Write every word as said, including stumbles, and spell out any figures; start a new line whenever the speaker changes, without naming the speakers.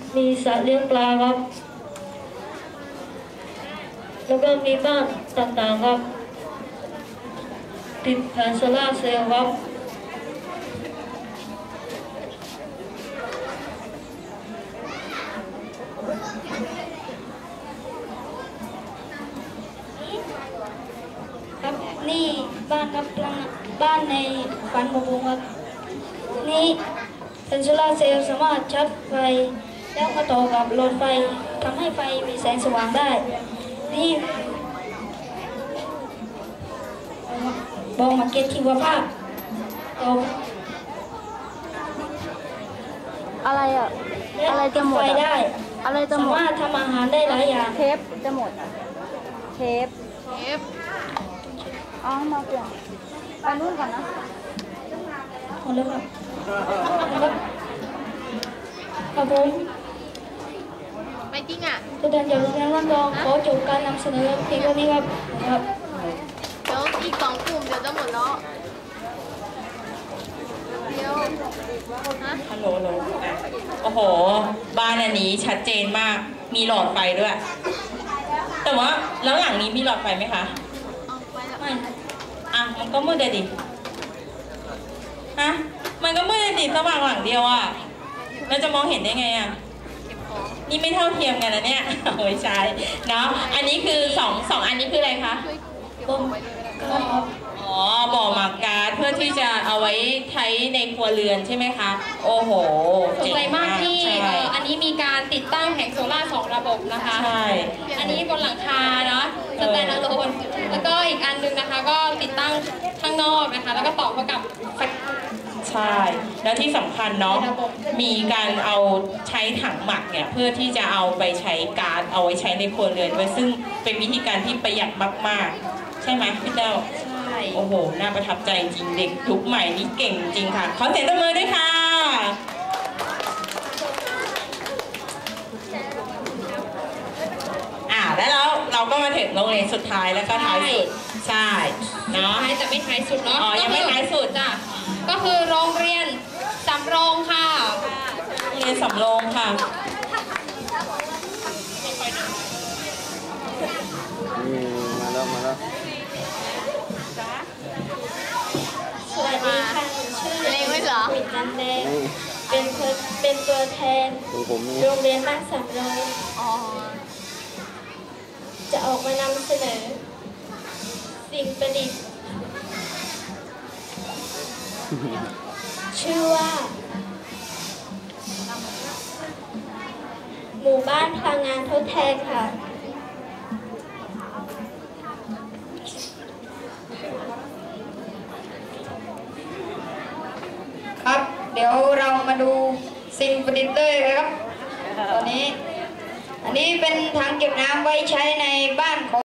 มีสระเลี้ยงปลาครับแล้วก็มีบ้านต่างๆครับติดแผงโซล่าร์เซลล์ครับ
ครับนี่บ้านครับบ้านในฝันของผมครับนี่แผงโซล่าร์เซลล์สามารถชาร์จไฟแล้วมาต่อกับหลอดไฟทำให้ไฟมีแสงสว่างได้นี่บอกมาเก็ตชีวภาพเอา
อะไรอ่ะอะไรจะหมด
ได้
อะไรจะหมด
สามารถทำอาหารได้หลายอย่าง
เทปจะหมดเทปเทปอ๋อมาเปลี่ยนไปนู่นก่อนนะ
หมดแล้วครับครับผม
ไม่จริงอ่ะ
ตัวแทนจากโรงเรียนร่อนรองขอจบการนำเสนอเพียงเท่านี้ครับครับ
เดี๋ยวอีกสองกลุ่มเดี๋ยวจะหมดแล้วเดี๋ยว
ฮัลโหลโหลโอ้โหบ้านอันนี้ชัดเจนมากมีหลอดไฟด้วยแต่ว่าแล้วหลังนี้มีหลอดไฟไหมคะไม่อ่ะมันก็มืดเลยดิฮะมันก็มืดเลยดิสว่างหลังเดียวอ่ะเราจะมองเห็นได้ไงอ่ะนี่ไม่เท่าเทียมกันนะเนี่ยโอ้ยใช่เนาะอันนี้คือสองสองอันนี้คืออะไรคะ
บ่ม
อ๋อบ่อหมักก๊าซเพื่อที่จะเอาไว้ใช้ในครัวเรือนใช่ไหมคะโอ้โห
สนใจมากที่อันนี้มีการติดตั้งแผงโซล่าร์สองระบบนะคะ
ใช่
อันนี้บนหลังคาเนาะสแตนด์อะโลนแล้วก็อีกอันนึงนะคะก็ติดตั้งข้างนอกนะคะแล้วก็ต่อเข้ากับ
ใช่แล้วที่สำคัญเนาะมีการเอาใช้ถังหมักเนี่ยเพื่อที่จะเอาไปใช้ก๊าซเอาไว้ใช้ในครัวเรือนด้วยซึ่งเป็นวิธีการที่ประหยัดมากๆใช่ไหมพี่เจ้า
ใช่
โอ้โหน่าประทับใจจริงเด็กยุคใหม่นี่เก่งจริงค่ะขอเสียงตบมือด้วยค่ะอ่าแล้วเราเราก็มาถึงโรงเรียนสุดท้ายแล้วก็ท้ายสุดใช่เนาะ
ท้ายแต่ไม่ท้ายสุดเนาะ
อ๋อยังไม่ท้ายสุด
จ้ะก็คือโรงเรียนสำโรงค่ะ
โรงเรียนสำโรงค่ะ
มาแล้วมาแล้ว
สวัสดีค่ะชื่อเล็กไม่เหรอปิดจันแดงเป็นเป็นตัวแทนโรงเรียนบ้านสำโรงจะออกมานำเสนอสิ่งประดิษฐ์ชื่อว่าหมู่บ้านพลังงานทดแทนค่ะ
ครับเดี๋ยวเรามาดูสิ่งประดิษฐ์เลยครับตอนนี้อันนี้เป็นถังเก็บน้ำไว้ใช้ในบ้านของ